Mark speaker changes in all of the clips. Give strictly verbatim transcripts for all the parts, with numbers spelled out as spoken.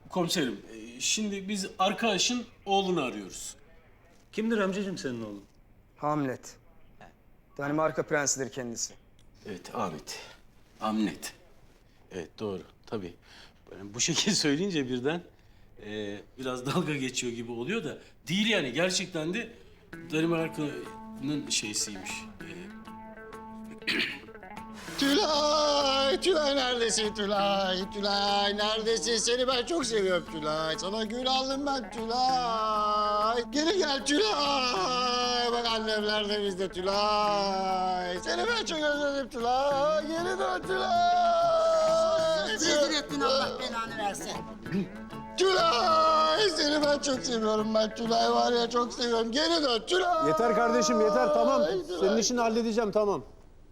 Speaker 1: Komiserim, e, şimdi biz arkadaşın oğlunu arıyoruz.
Speaker 2: Kimdir amcacığım senin oğlun?
Speaker 3: Hamlet. Danimarka prensidir kendisi.
Speaker 1: Evet, Ahmet. Hamlet. Evet, doğru. Tabii. Ben bu şekilde söyleyince birden e, biraz dalga geçiyor gibi oluyor da değil yani. Gerçekten de Danimarka'nın şeysiymiş. E,
Speaker 4: Tülay, Tülay neredesin Tülay? Tülay neredesin? Seni ben çok seviyorum Tülay. Sana gül aldım ben Tülay. Geri gel Tülay. Bak annemler de bizde Tülay. Seni ben çok özledim Tülay. Geri dön Tülay.
Speaker 5: Rezil ettin, Allah belanı versin.
Speaker 4: Tülay. Seni ben çok seviyorum ben Tülay var ya çok seviyorum. Geri dön Tülay.
Speaker 6: Yeter kardeşim yeter tamam.
Speaker 4: Tülay.
Speaker 6: Senin işini halledeceğim tamam.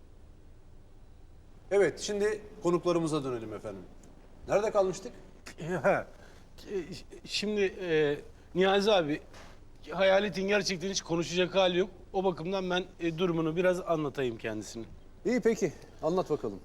Speaker 6: Evet şimdi konuklarımıza dönelim efendim. Nerede kalmıştık?
Speaker 1: ha, e, şimdi e, Niyazi abi, Hayalet'in gerçekten hiç konuşacak hali yok. O bakımdan ben e, durumunu biraz anlatayım kendisine.
Speaker 6: İyi peki anlat bakalım.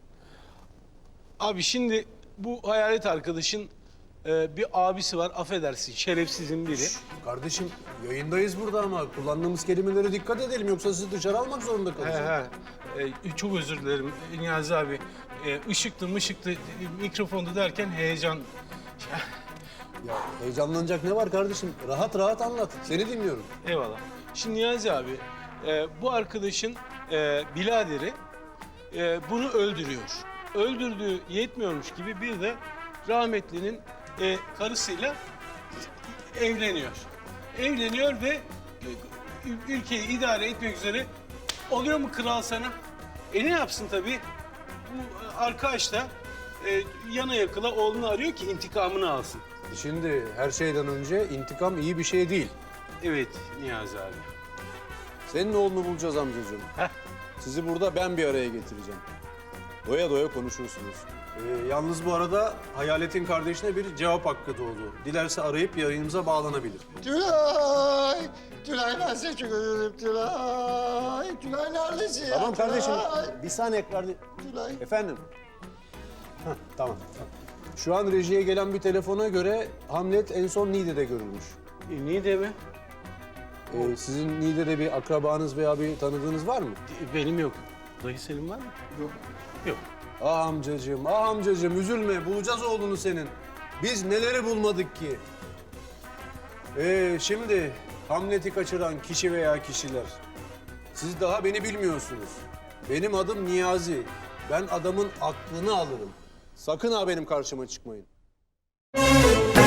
Speaker 1: Abi şimdi bu Hayalet arkadaşın e, bir abisi var, affedersin, şerefsizin biri.
Speaker 6: Kardeşim yayındayız burada ama kullandığımız kelimelere dikkat edelim yoksa sizi dışarı almak zorunda
Speaker 1: He
Speaker 6: kalacağız.
Speaker 1: he. E, çok özür dilerim Niyazi abi. E, ışıktı mışıktı, e, mikrofondu derken heyecan.
Speaker 6: Ya heyecanlanacak ne var kardeşim? Rahat rahat anlat. Seni dinliyorum.
Speaker 1: Eyvallah. Şimdi Niyazi abi, e, bu arkadaşın e, biraderi e, bunu öldürüyor. Öldürdüğü yetmiyormuş gibi bir de rahmetlinin e, karısıyla evleniyor. Evleniyor ve e, ülkeyi idare etmek üzere oluyor mu kral sana? E ne yapsın tabii? Bu e, arkadaş da e, yana yakıla oğlunu arıyor ki intikamını alsın.
Speaker 6: Şimdi her şeyden önce intikam iyi bir şey değil.
Speaker 1: Evet Niyazi abi.
Speaker 6: Senin oğlunu bulacağız amcacığım.
Speaker 1: Heh.
Speaker 6: Sizi burada ben bir araya getireceğim. Doya doya konuşursunuz. Ee, yalnız bu arada Hayalet'in kardeşine bir cevap hakkı doğdu. Dilerse arayıp yayınımıza bağlanabilir.
Speaker 4: Tülay! Tülay ben seni çok özledim Tülay. Tülay neredesin ya?
Speaker 6: Tamam kardeşim.
Speaker 4: Tülay.
Speaker 6: Bir saniye kardeşim.
Speaker 4: Tülay.
Speaker 6: Efendim? Hah, tamam. Şu an rejiye gelen bir telefona göre Hamlet en son Niğde'de görülmüş.
Speaker 1: E, niye deme?
Speaker 6: Ee, sizin Niğde'de bir akrabanız veya bir tanıdığınız var mı?
Speaker 1: E, Benim yok. Dayı Selim var mı? Yok. Yok.
Speaker 6: Ah amcacığım, ah amcacığım üzülme. Bulacağız oğlunu senin. Biz neleri bulmadık ki? Ee, şimdi Hamlet'i kaçıran kişi veya kişiler. Siz daha beni bilmiyorsunuz. Benim adım Niyazi. Ben adamın aklını alırım. Sakın ha benim karşıma çıkmayın.